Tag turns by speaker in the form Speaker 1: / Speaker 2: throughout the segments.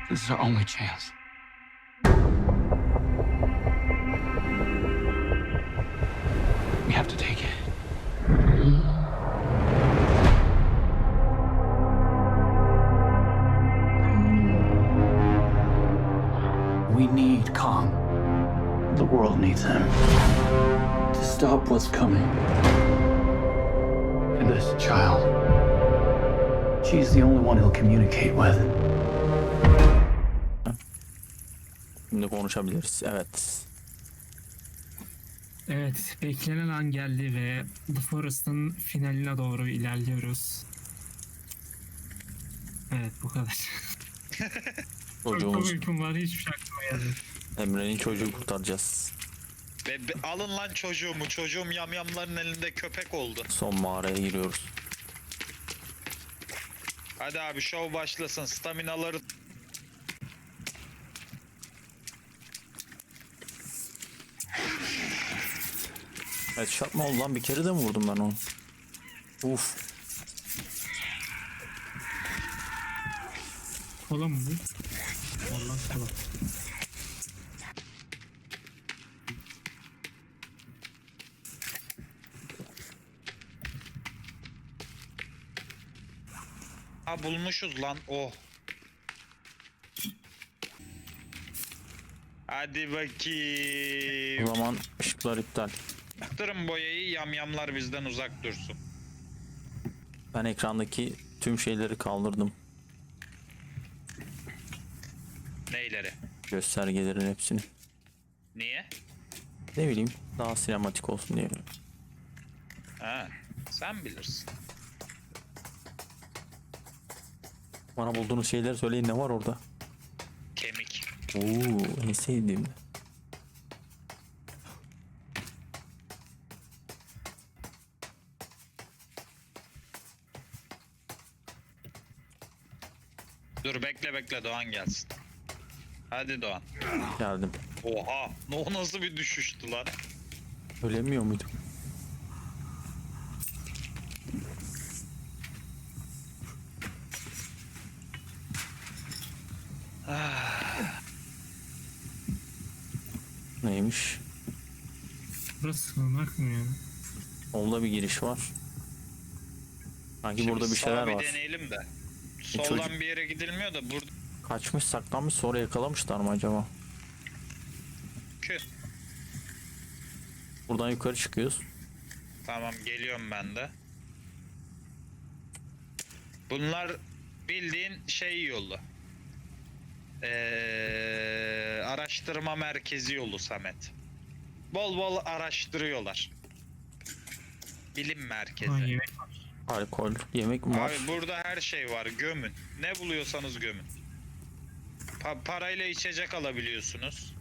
Speaker 1: This is our only chance. We have to take it. We need Kong. The world needs him. To stop what's coming. And this child. She's the only one he'll communicate with.
Speaker 2: Şimdi konuşabiliriz. Evet.
Speaker 3: Evet, beklenen an geldi ve The Forest'ın finaline doğru ilerliyoruz. Evet, bu kadar. Çok
Speaker 2: Çocuğumuz
Speaker 3: uykum var, hiçbir şey aklıma gelmedi.
Speaker 2: Emre'nin çocuğu kurtaracağız.
Speaker 4: Alın lan çocuğumu. Çocuğum yamyamların elinde köpek oldu.
Speaker 2: Son mağaraya giriyoruz.
Speaker 4: Hadi abi şov başlasın. Staminaları...
Speaker 2: Evet, şart mı oldu lan? Bir kere de mi vurdum ben onu? Uf.
Speaker 3: Kola mı bu? Vallahi kola.
Speaker 4: Ha bulmuşuz lan. Oh. Hadi
Speaker 2: O
Speaker 4: bakayım.
Speaker 2: zaman ışıklar iptal.
Speaker 4: Yaktırın boyayı, yamyamlar bizden uzak dursun.
Speaker 2: Ben ekrandaki tüm şeyleri kaldırdım.
Speaker 4: Neyleri?
Speaker 2: Göstergelerin hepsini.
Speaker 4: Niye?
Speaker 2: Ne bileyim, daha sinematik olsun diye.
Speaker 4: Ha, sen bilirsin.
Speaker 2: Bana bulduğunuz şeyleri söyleyin, ne var orada?
Speaker 4: Kemik.
Speaker 2: Oo, en sevdiğim.
Speaker 4: Dur bekle Doğan gelsin. Hadi Doğan.
Speaker 2: Geldim.
Speaker 4: Oha, o nasıl bir düşüştü lan?
Speaker 2: Ölemiyor muydum? Neymiş?
Speaker 3: Burası sığınak mı ya?
Speaker 2: Solda bir giriş var. Sanki
Speaker 4: Şimdi
Speaker 2: burada bir şeyler
Speaker 4: sağa bir
Speaker 2: var.
Speaker 4: deneyelim de. Soldan
Speaker 2: çocuk-
Speaker 4: bir yere gidilmiyor da burada.
Speaker 2: Kaçmış, saklanmış, sonra yakalamışlar mı acaba? Buradan yukarı çıkıyoruz.
Speaker 4: Tamam geliyorum ben de. Bunlar bildiğin şey yolu. Araştırma merkezi yolu Samet. Bol bol araştırıyorlar. Bilim merkezi.
Speaker 3: Ha, yemek var.
Speaker 2: Alkol, yemek mi var?
Speaker 4: Abi burada her şey var. Gömün. Ne buluyorsanız gömün. Parayla içecek alabiliyorsunuz.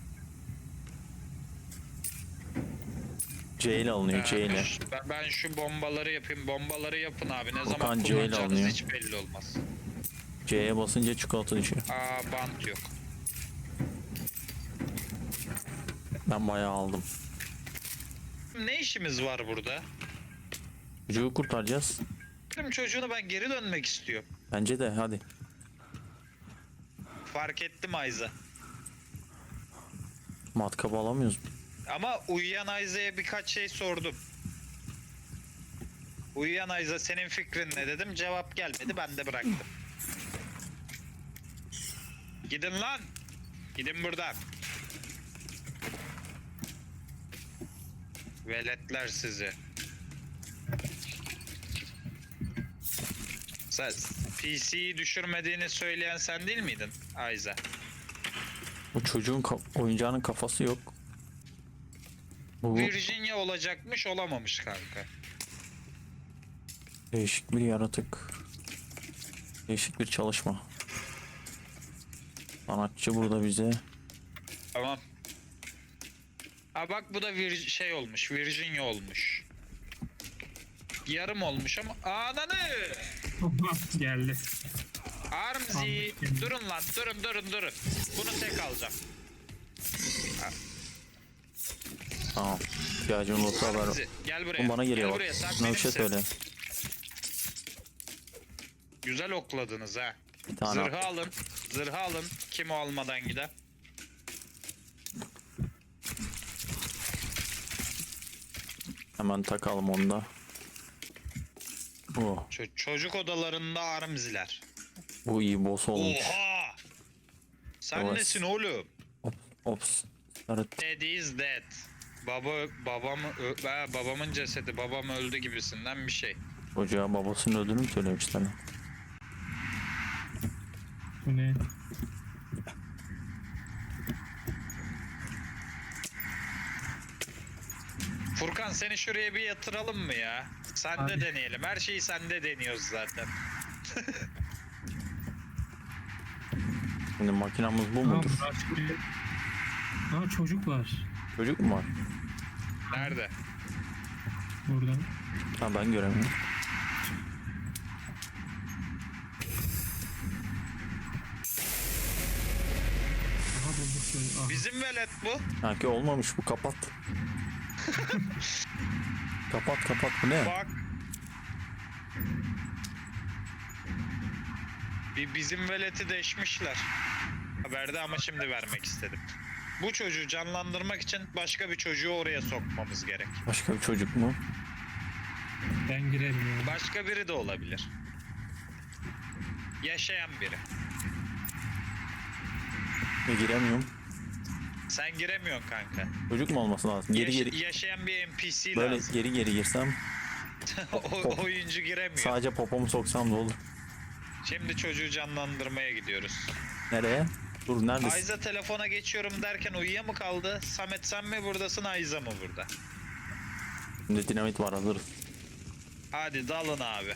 Speaker 2: C ile alınıyor, C ile.
Speaker 4: Ben şu bombaları yapayım. Bombaları yapın abi. Ne
Speaker 2: Okan
Speaker 4: zaman
Speaker 2: C ile
Speaker 4: kullanacağınız
Speaker 2: alınıyor.
Speaker 4: hiç belli olmaz.
Speaker 2: C'ye basınca çikolata düşüyor.
Speaker 4: Aa bant yok.
Speaker 2: Ben bayağı aldım.
Speaker 4: Ne işimiz var burada?
Speaker 2: Çocuğu kurtaracağız.
Speaker 4: Benim çocuğunu ben geri dönmek istiyorum.
Speaker 2: Bence de, hadi.
Speaker 4: Fark ettim Ayza.
Speaker 2: Matkabı alamıyoruz.
Speaker 4: Ama uyuyan Ayza'ya birkaç şey sordum. Uyuyan Ayza senin fikrin ne dedim. Cevap gelmedi, ben de bıraktım. Gidin lan. Gidin buradan. Veletler sizi. Sen PC'yi düşürmediğini söyleyen sen değil miydin Ayza?
Speaker 2: Bu çocuğun oyuncağının kafası yok. Bu
Speaker 4: Virginia olacakmış, olamamış kanka.
Speaker 2: değişik bir yaratık. Değişik bir çalışma. Sanatçı burada bize.
Speaker 4: Tamam. Ha bak bu da şey olmuş, Virginia olmuş. Yarım olmuş ama ananı!
Speaker 3: Geldi.
Speaker 4: Armzi, durun lan, durun. Bunu tek alacağım.
Speaker 2: Tamam. İhtiyacın olursa haber.
Speaker 4: Armzi, gel buraya.
Speaker 2: Oğlum bana geliyor
Speaker 4: Gel
Speaker 2: bak.
Speaker 4: buraya, sen
Speaker 2: Buna bir şey
Speaker 4: benimsin.
Speaker 2: söyle.
Speaker 4: Güzel okladınız ha.
Speaker 2: Bir tane
Speaker 4: Zırhı alın. Zırhı alın. Kim o almadan gider?
Speaker 2: hemen takalım onu da. Bu.
Speaker 4: Çocuk odalarında armziler.
Speaker 2: Bu iyi boss olmuş.
Speaker 4: Oha! Sen
Speaker 2: Evet.
Speaker 4: nesin oğlum?
Speaker 2: Ops. Evet.
Speaker 4: Dead is dead. Babamın cesedi, babam öldü gibisinden bir şey.
Speaker 2: Çocuğa babasının öldüğünü mü söylemişler?
Speaker 3: Bu ne?
Speaker 4: Furkan seni şuraya bir yatıralım mı ya? Sende
Speaker 3: Abi.
Speaker 4: deneyelim. Her şeyi sende deniyoruz zaten.
Speaker 2: Şimdi makinamız bu
Speaker 3: Aa,
Speaker 2: mudur?
Speaker 3: çocuk var
Speaker 2: Çocuk mu var?
Speaker 4: Nerede?
Speaker 3: burada.
Speaker 2: Ha, ben göremiyorum.
Speaker 3: Aha bulduk şöyle. Aha.
Speaker 4: Bizim velet bu.
Speaker 2: Sanki olmamış bu, kapat. kapat bu ne?
Speaker 4: Bak. Bizim veleti deşmişler. Haberde ama şimdi vermek istedim. Bu çocuğu canlandırmak için başka bir çocuğu oraya sokmamız gerek.
Speaker 2: Başka bir çocuk mu?
Speaker 3: Ben girerim ya.
Speaker 4: Başka biri de olabilir. Yaşayan biri.
Speaker 2: Giremiyorum.
Speaker 4: Sen giremiyorsun kanka.
Speaker 2: Çocuk mu olması lazım? Geri
Speaker 4: Yaşayan bir NPC
Speaker 2: böyle
Speaker 4: lazım.
Speaker 2: geri girsem
Speaker 4: Oyuncu giremiyor.
Speaker 2: sadece popomu soksam da olur.
Speaker 4: Şimdi çocuğu canlandırmaya gidiyoruz.
Speaker 2: Nereye? Dur, neredesin?
Speaker 4: Ayza telefona geçiyorum derken uyuya mı kaldı? Samet sen mi buradasın, Ayza mı burada?
Speaker 2: Şimdi dinamit var, hazırız.
Speaker 4: Hadi dalın abi.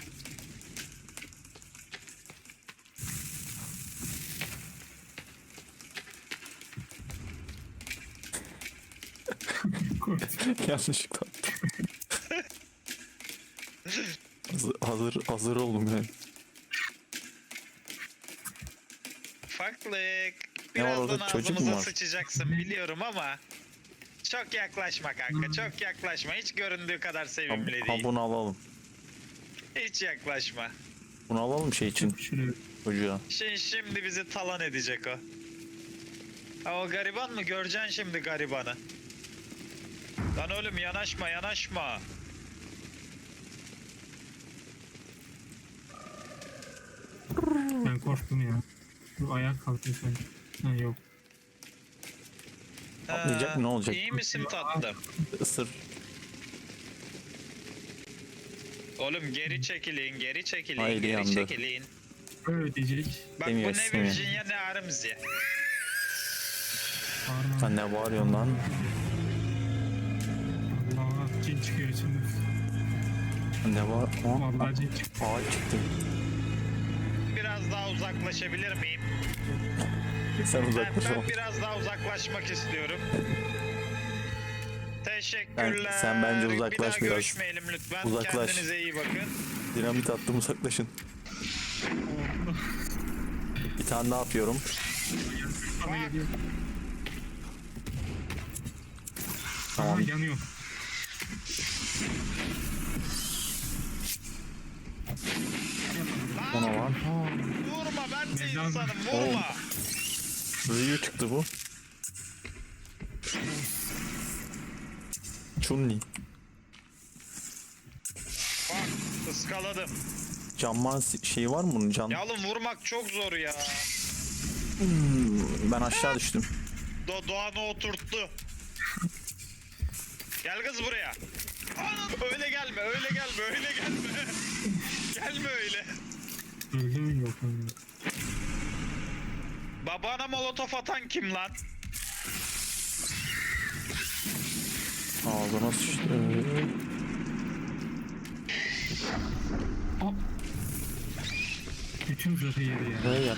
Speaker 2: Yanlışlıkla. hazır oldum yani.
Speaker 4: Ufaklık.
Speaker 2: Ne var orada,
Speaker 4: Birazdan
Speaker 2: çocuk mu
Speaker 4: ağzımıza
Speaker 2: var?
Speaker 4: sıçacaksın biliyorum ama çok yaklaşma kanka, çok yaklaşma. Hiç göründüğü kadar sevimli
Speaker 2: Ha,
Speaker 4: değil.
Speaker 2: bunu alalım.
Speaker 4: Hiç yaklaşma.
Speaker 2: Bunu alalım şey için,
Speaker 3: Şuraya.
Speaker 2: çocuğa.
Speaker 4: Şimdi bizi talan edecek o. Ha, o gariban mı? Göreceksin şimdi garibanı. Lan oğlum yanaşma yanaşma.
Speaker 3: Ben korktum ya. Bu ayak kalkıyor sanki. Ha yok.
Speaker 2: Atlayacak mı, ne olacak?
Speaker 4: İyi misin tatlım?
Speaker 2: Isır.
Speaker 4: Oğlum geri çekilin, geri çekilin,
Speaker 2: Haydi
Speaker 4: geri
Speaker 2: yandı.
Speaker 4: çekilin.
Speaker 3: Böyle diyecek.
Speaker 4: Bak
Speaker 2: Demiyor,
Speaker 4: bu ne
Speaker 2: istemiyor.
Speaker 4: Virginia ne Arms'ye.
Speaker 3: Bağırma.
Speaker 2: Sen ne bağırıyorsun lan?
Speaker 3: Allah cin çıkıyor içinde.
Speaker 2: Sen ne var?
Speaker 3: Vallahi cin çıkıyor.
Speaker 2: Ağaç çıktı.
Speaker 4: Biraz daha uzaklaşabilir miyim?
Speaker 2: Sen uzaklaş
Speaker 4: Ben
Speaker 2: oğlum.
Speaker 4: biraz daha uzaklaşmak istiyorum. Teşekkürler.
Speaker 2: Sen bence uzaklaş
Speaker 4: bir daha
Speaker 2: biraz.
Speaker 4: görüşmeyelim lütfen.
Speaker 2: Uzaklaş.
Speaker 4: Kendinize iyi bakın.
Speaker 2: Dinamit attım, uzaklaşın. Bir tane daha yapıyorum.
Speaker 3: Bana geliyor.
Speaker 2: Tamam.
Speaker 3: Aha yanıyor.
Speaker 2: Ona var.
Speaker 4: Vurma ben de
Speaker 3: Neden?
Speaker 4: insanım
Speaker 2: Oğlum.
Speaker 4: vurma.
Speaker 2: Ryu çıktı bu. Chun-Li.
Speaker 4: Bak ıskaladım.
Speaker 2: Canman şeyi var mı bunun, can?
Speaker 4: Ya oğlum vurmak çok zor ya.
Speaker 2: Ben aşağı düştüm.
Speaker 4: Doğan'ı oturttu. Gel kız buraya. Anam, öyle gelme, öyle gelme, öyle gelme. Gelme öyle.
Speaker 3: Öldü mü yok mu?
Speaker 4: Babana molotof atan kim lan?
Speaker 2: Ağzına sıçtı.
Speaker 3: Hop. Bütün zırhı yedi ya.
Speaker 2: Buraya gel.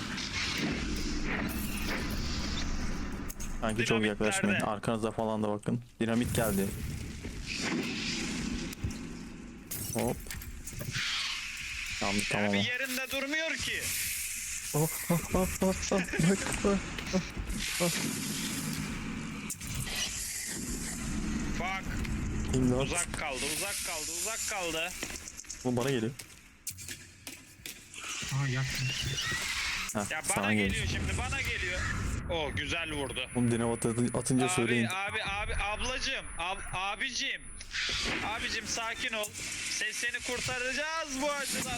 Speaker 2: Sanki çok
Speaker 4: Dinamit
Speaker 2: yaklaşmayın.
Speaker 4: nerede?
Speaker 2: Arkanıza falan da bakın. Dinamit geldi. Hop. Tamam,
Speaker 4: Ya
Speaker 2: tamam.
Speaker 4: bir yerinde durmuyor ki.
Speaker 2: Oh, oh, oh, oh, oh. Bak, bak.
Speaker 4: Bak
Speaker 2: İmdat.
Speaker 4: uzak kaldı, uzak kaldı, uzak kaldı.
Speaker 2: Bu bana geliyor.
Speaker 3: Aha yaktım.
Speaker 2: Heh,
Speaker 4: Ya bana
Speaker 2: sana
Speaker 4: geliyor
Speaker 2: gelir.
Speaker 4: şimdi, bana geliyor. O güzel vurdu.
Speaker 2: Oğlum dinamit atınca söyleyin.
Speaker 4: Abi ablacım, abicim. Abicim sakin ol. Seni kurtaracağız bu acıdan.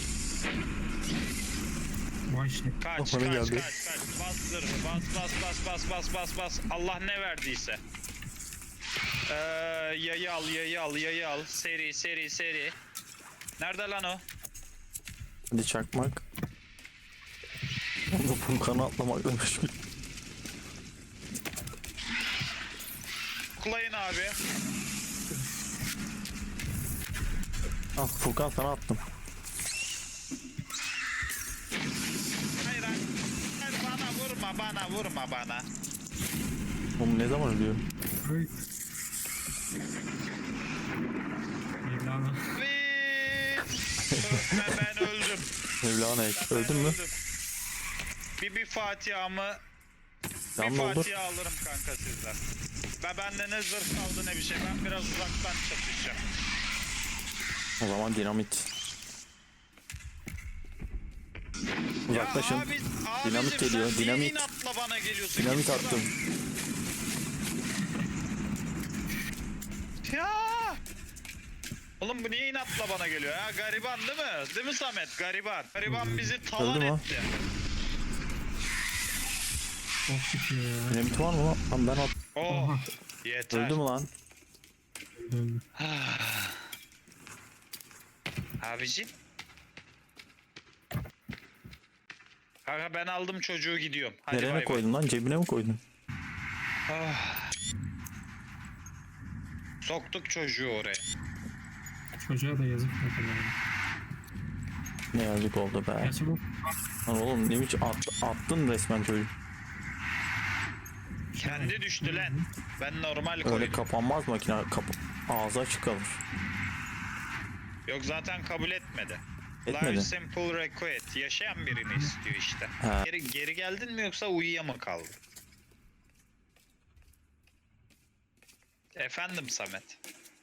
Speaker 3: Vay şey.
Speaker 4: Kaç
Speaker 2: Bana
Speaker 4: kaç
Speaker 2: geldi.
Speaker 4: kaç. Bas zırhı, bas. Allah ne verdiyse. Yayı al. Seri. Nerede lan o?
Speaker 2: Hadi çakmak. Onu Furkan'a atlamak demiş.
Speaker 4: Kuklayın abi.
Speaker 2: Ah Furkan sana attım.
Speaker 4: Hayır bana vurma bana.
Speaker 2: Oğlum ne zaman ölüyor?
Speaker 3: Ay. Mevlana.
Speaker 4: Ben öldüm.
Speaker 2: Mevlana ek. Öldün mü?
Speaker 4: Bir Fatiha'mı
Speaker 2: Can
Speaker 4: bir
Speaker 2: doldur.
Speaker 4: Fatiha alırım kanka sizden. Bende ne zırh kaldı ne bir şey. Ben biraz uzaktan çatışacağım.
Speaker 2: O zaman dinamit. Uzaklaşın.
Speaker 4: Ya abi,
Speaker 2: Dinamit
Speaker 4: abicim,
Speaker 2: geliyor,
Speaker 4: sen niye
Speaker 2: dinamit.
Speaker 4: inatla bana geliyorsun?
Speaker 2: Dinamit
Speaker 4: Git buradan.
Speaker 2: attım.
Speaker 4: Ya. Oğlum bu niye inatla bana geliyor ya? Gariban değil mi? Değil mi Samet? Gariban bizi talan
Speaker 2: Öldü mü o?
Speaker 4: etti.
Speaker 3: Çok çıkıyor ya.
Speaker 2: Dinamit var mı lan? Lan ben at.
Speaker 4: Oh.
Speaker 3: Oha.
Speaker 4: Yeter.
Speaker 2: Öldü mü lan?
Speaker 3: Öldü.
Speaker 4: Abicim. Kanka ben aldım çocuğu gidiyorum. Hadi
Speaker 2: Nereye
Speaker 4: bay bay.
Speaker 2: koydun lan? Cebine mi koydun?
Speaker 4: Ah. Soktuk çocuğu oraya.
Speaker 3: Çocuğa da yazık ne kadar.
Speaker 2: Ne yazık oldu be.
Speaker 3: Gerçi bu
Speaker 2: Lan oğlum ne biçim attın resmen çocuğu.
Speaker 4: Kendi düştü lan. Ben normal
Speaker 2: Öyle
Speaker 4: koydum.
Speaker 2: kapanmaz makine. Ağzı açık kalır.
Speaker 4: Yok zaten kabul etmedi.
Speaker 2: Etmedi.
Speaker 4: Large simple request. Yaşayan birini istiyor işte.
Speaker 2: Ha.
Speaker 4: Geri geldin mi yoksa uyuya mı kaldın? Efendim Samet.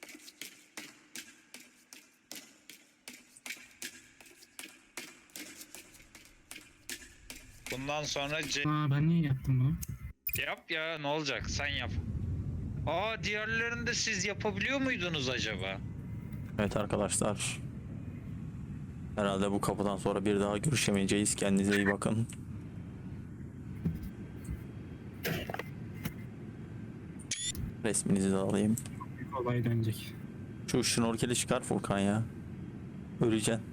Speaker 4: Bundan sonra
Speaker 3: ben niye yaptım bunu?
Speaker 4: yap ya, ne olacak, sen yap. Aa, diğerlerini de siz yapabiliyor muydunuz acaba?
Speaker 2: Evet arkadaşlar. Herhalde bu kapıdan sonra bir daha görüşemeyeceğiz. Kendinize iyi bakın. Resminizi de alayım.
Speaker 3: Büyük olay dönecek.
Speaker 2: Şu şnorkeli çıkar Furkan ya. Öleceksin.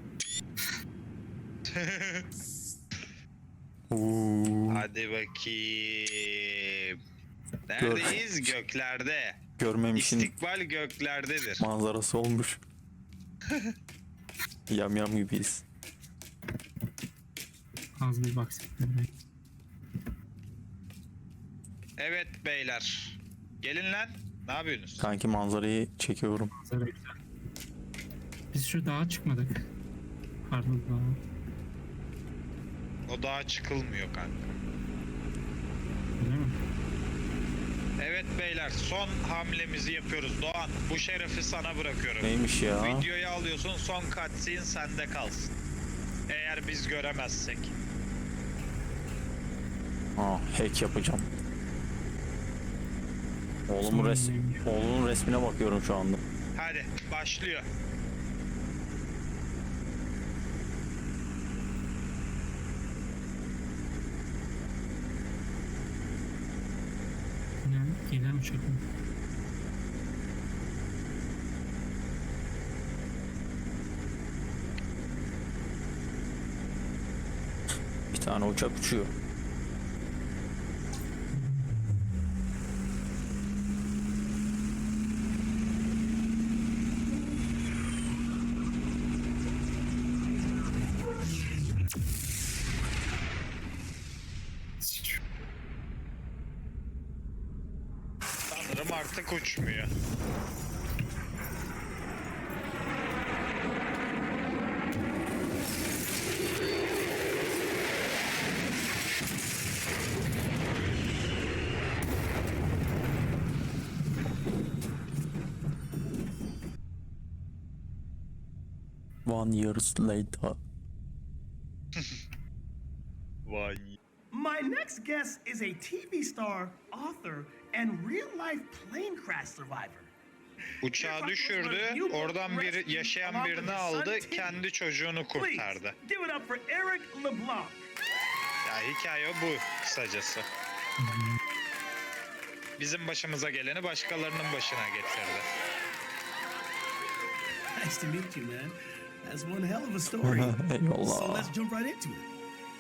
Speaker 4: Hadi bakayım. Neredeyiz? Göklerde.
Speaker 2: Görmemişin
Speaker 4: İstikbal göklerdedir.
Speaker 2: manzarası olmuş. Yam gibiyiz.
Speaker 3: Az bir baksın.
Speaker 4: Evet beyler. Gelin lan. Ne yapıyorsunuz?
Speaker 2: Kanki manzarayı çekiyorum.
Speaker 3: Manzara güzel. Biz şu dağa çıkmadık. Pardon dağa.
Speaker 4: O dağa çıkılmıyor kanka.
Speaker 3: Öyle mi?
Speaker 4: Evet beyler, son hamlemizi yapıyoruz. Doğan, bu şerefi sana bırakıyorum.
Speaker 2: Neymiş ya?
Speaker 4: Videoyu alıyorsun, son cutscene sende kalsın. Eğer biz göremezsek.
Speaker 2: Hack yapacağım.
Speaker 3: Son neymiş?
Speaker 2: Oğlumun resmine bakıyorum şu anda.
Speaker 4: Hadi başlıyor.
Speaker 3: Ne? Gelen uçak mı?
Speaker 2: Bir tane uçak uçuyor.
Speaker 4: Sanırım artık uçmuyor.
Speaker 2: One years later.
Speaker 4: Vay.
Speaker 5: My next guest is a TV star, author, and real-life plane crash survivor.
Speaker 4: Uçağı düşürdü, oradan bir yaşayan birini aldı, kendi çocuğunu kurtardı.
Speaker 5: Please, give it up for Eric LeBlanc.
Speaker 4: Ya hikaye bu kısacası. Bizim başımıza geleni başkalarının başına getirdi.
Speaker 5: Nice to meet you, man. That's one hell of a story. So
Speaker 2: Eyvallah.
Speaker 5: let's jump right into it.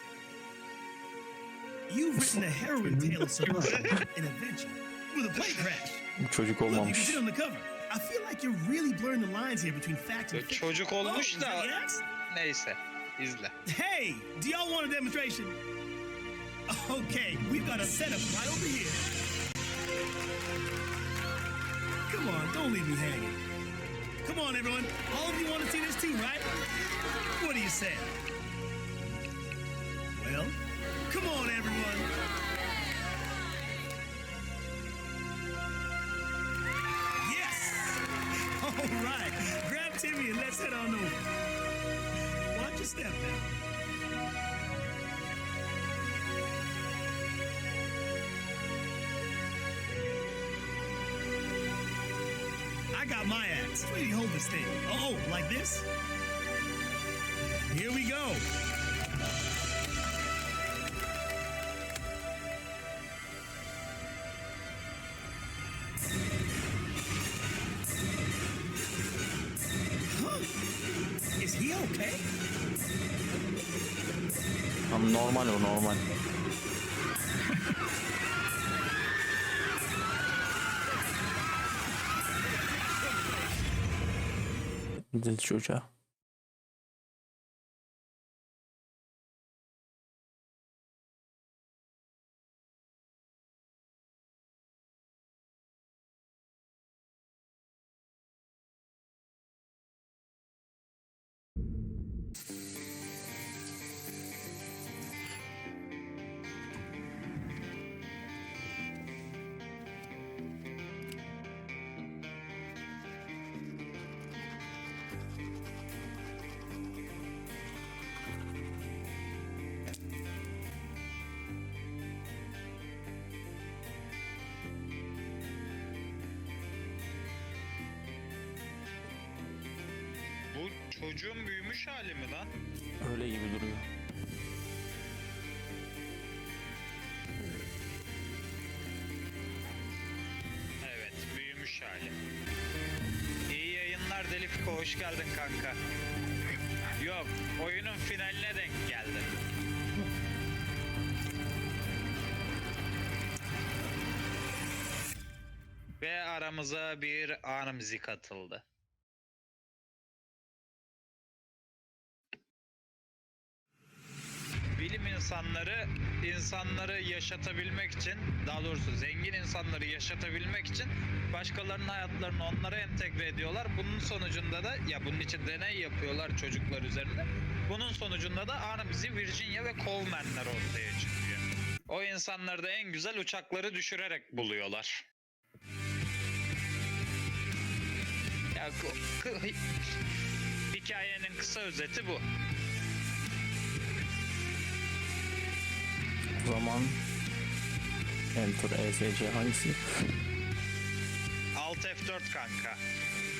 Speaker 5: You've written a harrowing tale of survival and adventure with a plane crash.
Speaker 2: Bu çocuk
Speaker 5: Look, you can
Speaker 2: olmamış.
Speaker 5: see on the cover. I feel like you're really blurring the lines here between fact and fiction.
Speaker 4: Çocuk
Speaker 5: Oh,
Speaker 4: olmuş
Speaker 5: is that
Speaker 4: da
Speaker 5: yes?
Speaker 4: neyse izle.
Speaker 5: Hey, do y'all want a demonstration? Okay, we've got a setup right over here. Come on, don't leave me hanging. Come on, everyone. All of you want to see this too, right? What do you say? Well, come on, everyone. Yes! All right. Grab Timmy and let's head on over. Watch your step now. I got my axe. Where do you hold this thing? Oh, like this? Here we go. Huh? Is he okay?
Speaker 2: Tam normal o normal. Dil çocuğa.
Speaker 4: Bu çocuğun büyümüş hali mi lan?
Speaker 2: Öyle gibi duruyor.
Speaker 4: Evet, büyümüş hali. İyi yayınlar Delifko, hoş geldin kanka. Yok, oyunun finaline denk geldin. Ve aramıza bir Armzi katıldı. Bilim insanları yaşatabilmek için, daha doğrusu zengin insanları yaşatabilmek için başkalarının hayatlarını onlara entegre ediyorlar. Bunun sonucunda da, ya bunun için deney yapıyorlar çocuklar üzerinde. Bunun sonucunda da Armzi, Virginia ve Coleman'ler ortaya çıkıyor. O insanları da en güzel uçakları düşürerek buluyorlar. Ya hikayenin kısa özeti bu.
Speaker 2: O zaman Enter ESC hangisi?
Speaker 4: Alt F4 kanka.